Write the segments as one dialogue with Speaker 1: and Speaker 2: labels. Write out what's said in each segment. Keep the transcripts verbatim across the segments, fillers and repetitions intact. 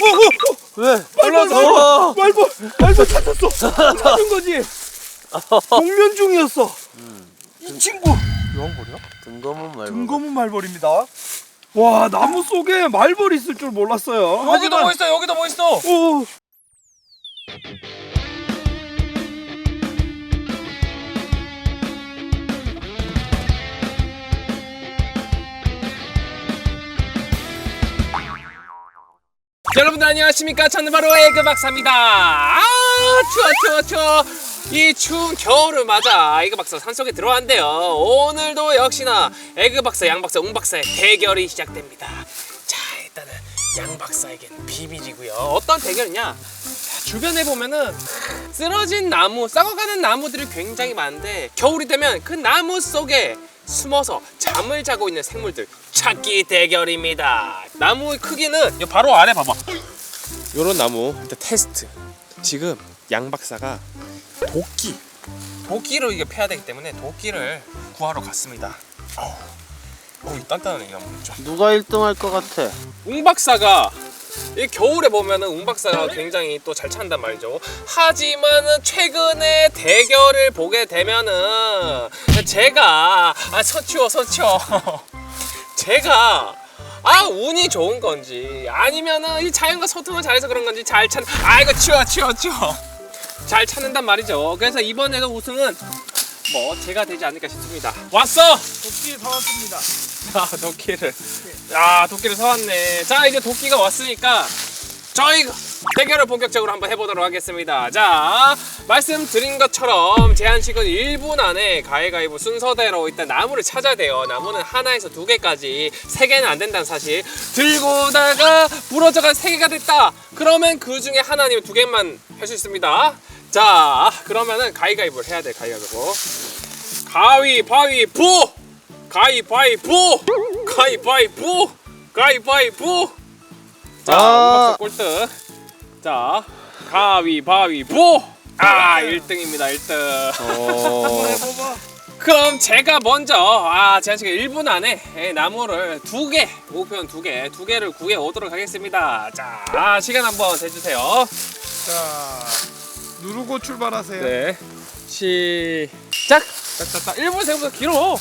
Speaker 1: 왜?
Speaker 2: 말벌 말벌 말벌 말벌 찾았어. 찾은 거지. 동면 중이었어.
Speaker 1: 음.
Speaker 2: 이 친구 여왕벌이야?
Speaker 1: 등검은 말벌.
Speaker 2: 등검은 말벌입니다. 와, 나무 속에 말벌이 있을 줄 몰랐어요.
Speaker 3: 여기도 뭐 있어, 여기도 뭐 있어.
Speaker 2: 오.
Speaker 3: 여러분들 안녕하십니까? 저는 바로 에그 박사입니다. 아, 추워 추워 추워. 이 추운 겨울을 맞아 에그 박사 산속에 들어왔는데요. 오늘도 역시나 에그 박사, 양 박사, 웅 박사의 대결이 시작됩니다. 자, 일단은 양 박사에겐 비밀이고요. 어떤 대결이냐? 자, 주변에 보면은 쓰러진 나무, 썩어가는 나무들이 굉장히 많은데 겨울이 되면 그 나무 속에 숨어서 잠을 자고 있는 생물들 찾기 대결입니다. 나무의 크기는 바로 아래 봐봐. 요런 나무 일단 테스트. 지금 양 박사가 도끼 도끼로 이게 패야 되기 때문에 도끼를 구하러 갔습니다. 어우, 어우 단단하네 이 나무.
Speaker 1: 누가 일 등 할 것 같아?
Speaker 3: 웅 박사가 이 겨울에 보면은 웅 박사가 굉장히 또 잘 찬단 말이죠. 하지만은 최근에 대결을 보게 되면은 제가 아 서치워 서치워 제가 아 운이 좋은 건지 아니면은 이 자연과 소통을 잘해서 그런 건지 잘 찾. 아 이거 치워 치워 치워 잘 찾는단 말이죠. 그래서 이번에도 우승은 뭐 제가 되지 않을까 싶습니다. 왔어.
Speaker 2: 도끼 사왔습니다.
Speaker 3: 자, 도끼를. 아, 도끼를 사왔네. 자, 이제 도끼가 왔으니까 저희 대결을 본격적으로 한번 해보도록 하겠습니다. 자, 말씀드린 것처럼 제한시간 일 분 안에 가위가위보 순서대로 일단 나무를 찾아야 돼요. 나무는 하나에서 두 개까지, 세 개는 안 된다는 사실. 들고다가 부러져가 세 개가 됐다. 그러면 그 중에 하나 아니면 두 개만 할 수 있습니다. 자, 그러면은 가위가위보를 해야 돼. 가위가위보. 가위바위보! 가위바위보! 가위바위보! 가위바위보! 자, 웅박사 꼴등. 자, 가위바위보! 아, 일 등입니다, 일 등.
Speaker 1: 어.
Speaker 2: 해봐봐.
Speaker 3: 그럼 제가 먼저, 아, 제한시간 일 분 안에 나무를 두 개, 목표는 두 개, 두 개를 구해 오도록 하겠습니다. 자, 시간 한번 재주세요.
Speaker 2: 자, 누르고 출발하세요.
Speaker 3: 네. 시작! 딱딱딱. 일 분 생각보다 길어.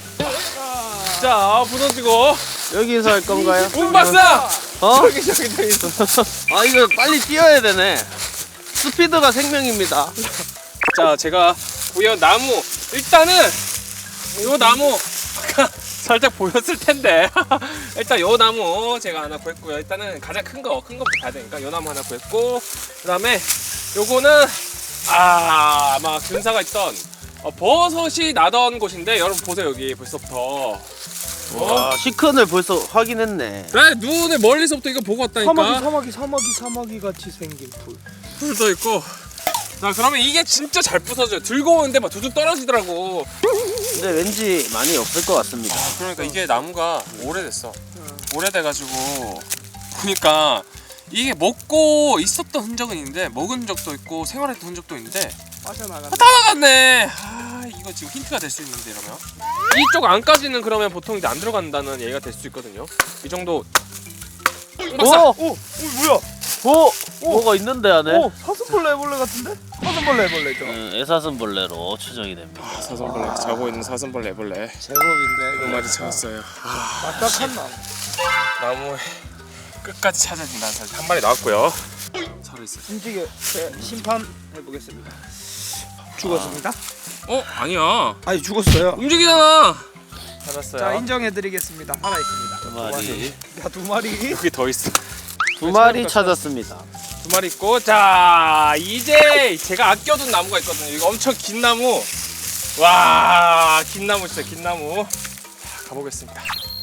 Speaker 3: 자, 부서지고.
Speaker 1: 여기서 할 건가요?
Speaker 3: 웅 박사!
Speaker 1: 어?
Speaker 3: 저기, 저기, 저기 있어.
Speaker 1: 아 이거 빨리 뛰어야 되네. 스피드가 생명입니다.
Speaker 3: 자, 제가 구현 나무. 일단은 요 나무 아까 살짝 보였을 텐데 일단 요 나무 제가 하나 구했고요. 일단은 가장 큰 거, 큰 거부터 가야 되니까 요 나무 하나 구했고, 그 다음에 요거는 아, 아마 근사가 있던 어, 버섯이 나던 곳인데 여러분 보세요. 여기 벌써부터
Speaker 1: 와 시큰을 벌써 확인했네.
Speaker 3: 나 눈에 멀리서부터 이거 보고 왔다니까.
Speaker 2: 사마귀 사마귀 사마귀 사마귀 같이 생긴 풀.
Speaker 3: 풀도 있고. 자, 그러면 이게 진짜 잘 부서져요. 들고 오는데 막 두둑 떨어지더라고.
Speaker 1: 근데 왠지 많이 없을 것 같습니다.
Speaker 3: 그러니까 이게 나무가 오래됐어. 오래돼가지고 보니까 이게 먹고 있었던 흔적은 있는데 먹은 흔적도 있고 생활했던 흔적도 있는데
Speaker 2: 빠져나간다.
Speaker 3: 아, 다 나갔네. 아, 이거 지금 힌트가 될 수 있는데 이러면 이쪽 안까지는 그러면 보통 이제 안 들어간다는 얘기가 될 수 있거든요. 이 정도. 박사.
Speaker 1: 오!
Speaker 2: 오, 오 뭐야?
Speaker 1: 오! 뭐가 있는데 안에?
Speaker 2: 오, 사슴벌레 애벌레 같은데? 사슴벌레 애벌레죠.
Speaker 1: 음, 애사슴벌레로 추정이 됩니다.
Speaker 3: 사슴벌레 자고 있는 사슴벌레 애벌레
Speaker 2: 제법인데.
Speaker 3: 두 마리 찾았어요.
Speaker 2: 딱딱한 나무.
Speaker 3: 나무의 끝까지 찾아야 된다는 사실. 한 마리 나왔고요. 살아 있어요.
Speaker 2: 움직여. 제 심판 해보겠습니다. 죽었습니다.
Speaker 3: 어? 아니야.
Speaker 2: 아니 죽었어요.
Speaker 3: 움직이잖아. 찾았어요.
Speaker 2: 자 인정해드리겠습니다. 살아 있습니다.
Speaker 1: 두 마리.
Speaker 2: 야 두 마리.
Speaker 3: 여기 더 있어.
Speaker 1: 두 마리 찾았습니다.
Speaker 3: 두 마리 있고, 자 이제 제가 아껴둔 나무가 있거든요. 이거 엄청 긴 나무. 와, 긴 나무 진짜 긴 나무. 자, 가보겠습니다.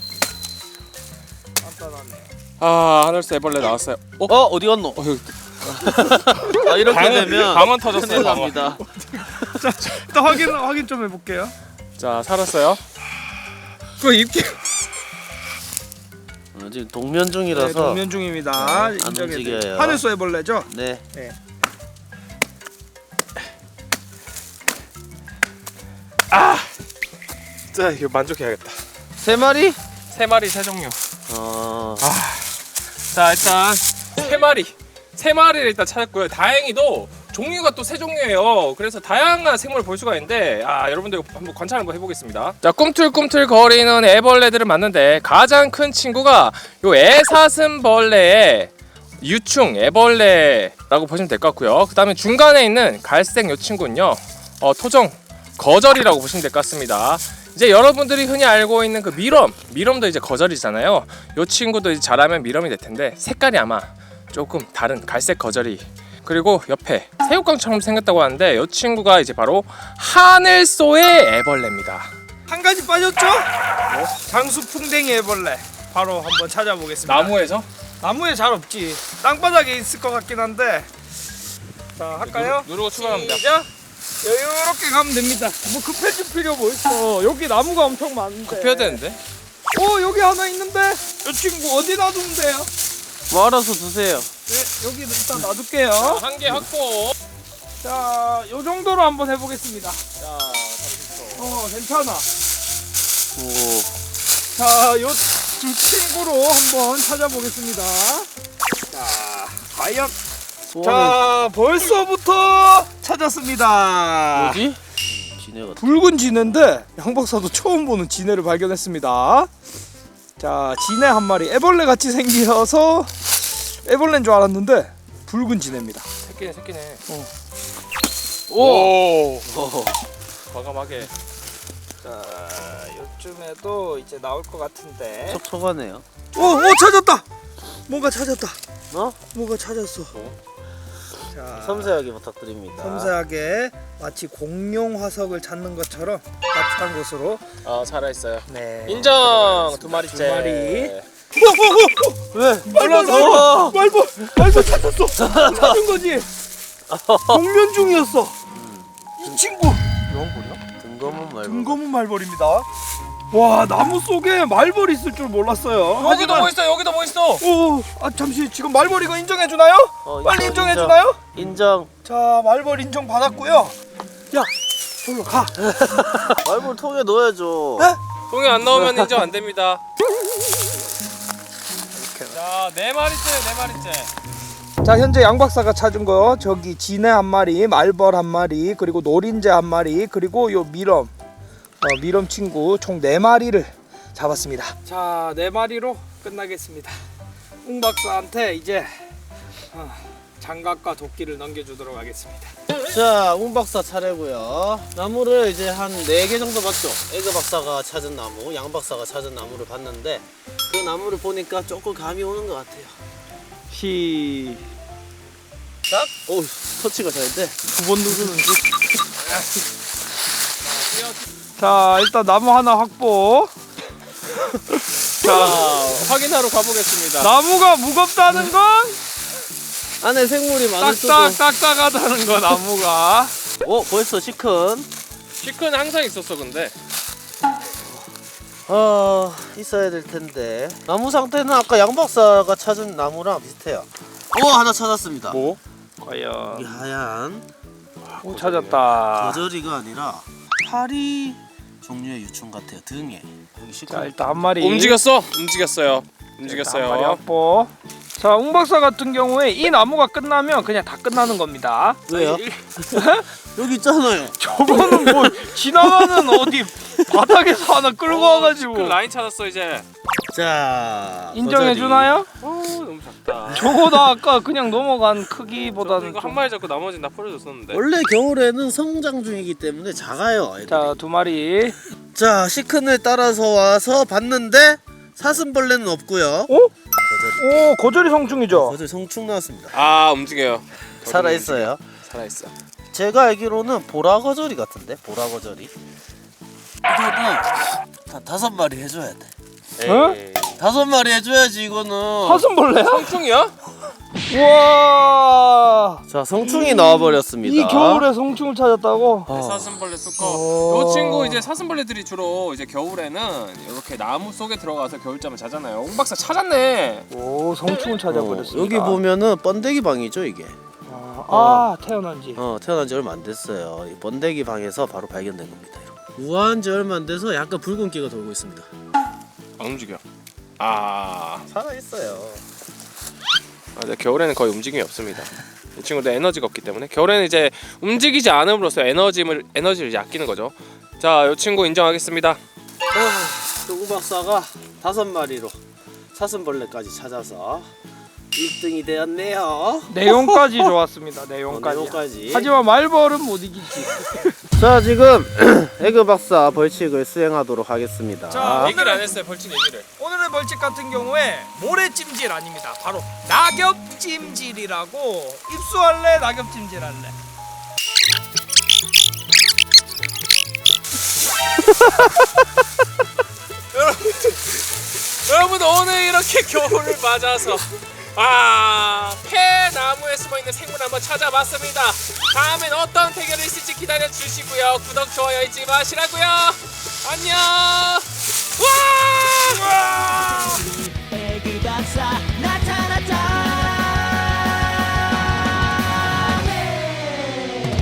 Speaker 2: 간단하네.
Speaker 3: 아, 하늘새 애벌레 나왔어요. 어?
Speaker 1: 어 어디 갔노?
Speaker 3: 어, 여기
Speaker 1: 아 이렇게
Speaker 3: 방은-
Speaker 1: 되면
Speaker 3: 방은 터졌어요,
Speaker 1: 큰일
Speaker 3: 방은.
Speaker 1: 납니다.
Speaker 2: 자 일단 확인 확인 좀 해볼게요.
Speaker 3: 자, 살았어요. 그거 입기.
Speaker 1: 어, 지금 동면 중이라서
Speaker 2: 네, 동면 중입니다.
Speaker 1: 안
Speaker 2: 인정해드릴게요.
Speaker 1: 움직여요.
Speaker 2: 하늘소 애벌레죠?
Speaker 1: 네.
Speaker 2: 네.
Speaker 3: 아, 진짜 이거 만족해야겠다.
Speaker 1: 세 마리?
Speaker 3: 세 마리 세 종류.
Speaker 1: 어.
Speaker 3: 자, 일단 세 마리 세 마리를 일단 찾았고요. 다행히도 종류가 또 세 종류예요. 그래서 다양한 생물을 볼 수가 있는데 아 여러분들 한번 관찰 한번 해보겠습니다. 자, 꿈틀꿈틀 거리는 애벌레들을 봤는데 가장 큰 친구가 요 애사슴벌레의 유충 애벌레라고 보시면 될 것 같고요. 그 다음에 중간에 있는 갈색 요 친구는요 어, 토종 거절이라고 보시면 될 것 같습니다. 이제 여러분들이 흔히 알고 있는 그 미럼 미럼도 이제 거절이잖아요. 요 친구도 이제 자라면 미럼이 될 텐데 색깔이 아마 조금 다른 갈색 거절이. 그리고 옆에 새우깡처럼 생겼다고 하는데 이 친구가 이제 바로 하늘소의 애벌레입니다.
Speaker 2: 한 가지 빠졌죠? 장수풍뎅이 애벌레. 바로 한번 찾아보겠습니다.
Speaker 3: 나무에서?
Speaker 2: 나무에 잘 없지. 땅바닥에 있을 것 같긴 한데. 자, 할까요?
Speaker 3: 누르고 출발합니다.
Speaker 2: 시작. 이렇게 가면 됩니다. 뭐 급해질 필요 뭐 있어. 여기 나무가 엄청 많은데.
Speaker 3: 급해야 되는데?
Speaker 2: 오, 여기 하나 있는데. 이 친구 어디 놔두면 돼요?
Speaker 1: 뭐 알아서 드세요.
Speaker 2: 네, 여기 일단 놔둘게요.
Speaker 3: 한 개 확보.
Speaker 2: 자, 요 정도로 한번 해보겠습니다.
Speaker 3: 자,
Speaker 2: 어, 괜찮아.
Speaker 1: 오.
Speaker 2: 자, 요 두 친구로 한번 찾아보겠습니다. 자, 과연.
Speaker 1: 소원은
Speaker 2: 자, 벌써부터 찾았습니다.
Speaker 1: 뭐지? 지네가.
Speaker 2: 붉은 지네인데 양 박사도 처음 보는 지네를 발견했습니다. 자, 지네 한 마리. 애벌레 같이 생겨서 애벌레인 줄 알았는데 붉은 지네입니다.
Speaker 3: 새끼네 새끼네.
Speaker 2: 어.
Speaker 3: 오.
Speaker 1: 어.
Speaker 3: 과감하게.
Speaker 2: 자, 요쯤에도 이제 나올 것 같은데.
Speaker 1: 촉촉하네요.
Speaker 2: 오, 오, 찾았다. 뭔가 찾았다.
Speaker 1: 어?
Speaker 2: 뭔가 찾았어.
Speaker 3: 어?
Speaker 2: 자,
Speaker 1: 섬세하게 부탁드립니다.
Speaker 2: 섬세하게 마치 공룡 화석을 찾는 것처럼 따뜻한 곳으로.
Speaker 3: 아, 살아 있어요.
Speaker 2: 네.
Speaker 3: 인정. 두 마리째.
Speaker 2: 두 마리.
Speaker 1: 왜?
Speaker 2: 말벌, 말벌, 말벌 찾았어. 찾은 거지. 공면 중이었어. 이 친구.
Speaker 1: 영벌이야? 등검은 말고.
Speaker 2: 등검은 말벌입니다. 와, 나무 속에 말벌이 있을 줄 몰랐어요.
Speaker 3: 여기도 뭐 있어? 여기도 뭐 있어?
Speaker 2: 오, 아 잠시 지금 말벌 이거 인정해 주나요?
Speaker 1: 어,
Speaker 2: 빨리
Speaker 1: 인정,
Speaker 2: 인정해 주나요?
Speaker 1: 인정.
Speaker 2: 자, 말벌 인정 받았고요. 야, 저로 가.
Speaker 1: 말벌 통에 넣어야죠.
Speaker 2: 네?
Speaker 3: 통에 안 나오면 인정 안 됩니다. 자, 네 마리째, 네 마리째.
Speaker 2: 자, 현재 양 박사가 찾은 거 저기 지네 한 마리, 말벌 한 마리, 그리고 노린재 한 마리, 그리고 요 미럼, 어, 미럼 친구 총 네 마리를 잡았습니다. 자, 네 마리로 끝나겠습니다. 웅 박사한테 이제 어, 장갑과 도끼를 넘겨주도록 하겠습니다.
Speaker 1: 자, 웅 박사 차례고요. 나무를 이제 한 네 개 정도 봤죠. 에그 박사가 찾은 나무, 양 박사가 찾은 나무를 봤는데 그 나무를 보니까 조금 감이 오는 것 같아요.
Speaker 2: 시.
Speaker 1: 딱? 오, 터치가 잘 돼.
Speaker 2: 두 번 누르는지. 자, 일단 나무 하나 확보.
Speaker 3: 자, 확인하러 가보겠습니다.
Speaker 2: 나무가 무겁다는 건
Speaker 1: 안에 생물이 많을 수도.
Speaker 2: 딱딱 딱딱하다는 거 나무가.
Speaker 1: 어, 벌써 시큰.
Speaker 3: 시큰 항상 있었어, 근데.
Speaker 1: 아, 있어야 될 텐데. 나무 상태는 아까 양 박사가 찾은 나무랑 비슷해요. 오, 하나 찾았습니다.
Speaker 2: 뭐? 과연.
Speaker 1: 이 하얀
Speaker 2: 오, 찾았다.
Speaker 1: 거저리가 아니라 파리 종류의 유충 같아요. 등에 여기
Speaker 2: 자,
Speaker 1: 시큰.
Speaker 2: 일단 한 마리.
Speaker 3: 움직였어. 움직였어요.
Speaker 2: 한 마리
Speaker 3: 움직였어요.
Speaker 2: 확보. 자, 웅 박사 같은 경우에 이 나무가 끝나면 그냥 다 끝나는 겁니다.
Speaker 1: 왜요?
Speaker 2: 이-
Speaker 1: 여기 있잖아요.
Speaker 2: 저거는 뭐 지나가는 어디 바닥에서 하나 끌고 와가지고
Speaker 3: 그 라인 찾았어, 이제.
Speaker 1: 자,
Speaker 2: 인정해
Speaker 1: 거저리.
Speaker 2: 주나요?
Speaker 3: 어, 너무 작다.
Speaker 2: 저거다 아까 그냥 넘어간
Speaker 3: 저도
Speaker 2: 크기보다는
Speaker 3: 이거
Speaker 2: 좀...
Speaker 3: 한 마리 잡고 나머지는 다 풀어줬었는데.
Speaker 1: 원래 겨울에는 성장 중이기 때문에 작아요. 애들이.
Speaker 2: 자, 두 마리.
Speaker 1: 자, 시큰을 따라서 와서 봤는데 사슴벌레는 없고요.
Speaker 2: 오?
Speaker 1: 거저리.
Speaker 2: 오, 거저리 성충이죠.
Speaker 1: 거저리 성충 나왔습니다.
Speaker 3: 아, 움직여요.
Speaker 1: 살아 있어요.
Speaker 3: 살아 있어.
Speaker 1: 제가 알기로는 보라거저리 같은데, 보라거저리. 이거는 다 다섯 마리 해줘야 돼.
Speaker 2: 어?
Speaker 3: 에이.
Speaker 1: 다섯 마리 해줘야지 이거는.
Speaker 2: 사슴벌레야?
Speaker 3: 성충이야?
Speaker 2: 우와.
Speaker 1: 자, 성충이 나와버렸습니다.
Speaker 2: 이 겨울에 성충을 찾았다고?
Speaker 1: 어.
Speaker 3: 사슴벌레 수컷.
Speaker 2: 어.
Speaker 3: 요 친구 이제 사슴벌레들이 주로 이제 겨울에는 이렇게 나무 속에 들어가서 겨울잠을 자잖아요. 옹 박사 찾았네.
Speaker 2: 오, 성충을 찾아버렸습니다.
Speaker 1: 어, 여기 보면은 번데기 방이죠 이게.
Speaker 2: 아, 아, 태어난 지.
Speaker 1: 어, 태어난 지 얼마 안 됐어요. 이 번데기 방에서 바로 발견된 겁니다. 이렇게. 우아한 지 얼마 안 돼서 약간 붉은기가 돌고 있습니다.
Speaker 3: 안 움직여. 아,
Speaker 1: 살아 있어요.
Speaker 3: 아, 네, 겨울에는 거의 움직임이 없습니다. 이 친구도 에너지가 없기 때문에 겨울에는 이제 움직이지 않음으로써 에너지를 에너지를 이제 아끼는 거죠. 자, 이 친구 인정하겠습니다.
Speaker 1: 아, 똥 박사가 다섯 마리로 사슴벌레까지 찾아서 일 등이 되었네요.
Speaker 2: 내용까지 좋았습니다. 내용까지.
Speaker 1: 어, 내용까지.
Speaker 2: 하지만 말벌은 못 이기지.
Speaker 1: 자, 지금 에그 박사 벌칙을 수행하도록 하겠습니다.
Speaker 2: 자,
Speaker 3: 얘기를 안 했어요. 벌칙 얘기를.
Speaker 2: 오늘의 벌칙 같은 경우에 모래찜질 아닙니다. 바로 낙엽찜질이라고. 입수할래? 낙엽찜질 할래?
Speaker 3: 여러분 오늘 이렇게 겨울을 맞아서 아 폐나무에 숨어있는 생물 한번 찾아봤습니다. 다음엔 어떤 대결이 있을지 기다려 주시고요. 구독 좋아요 잊지 마시라고요. 안녕. 와!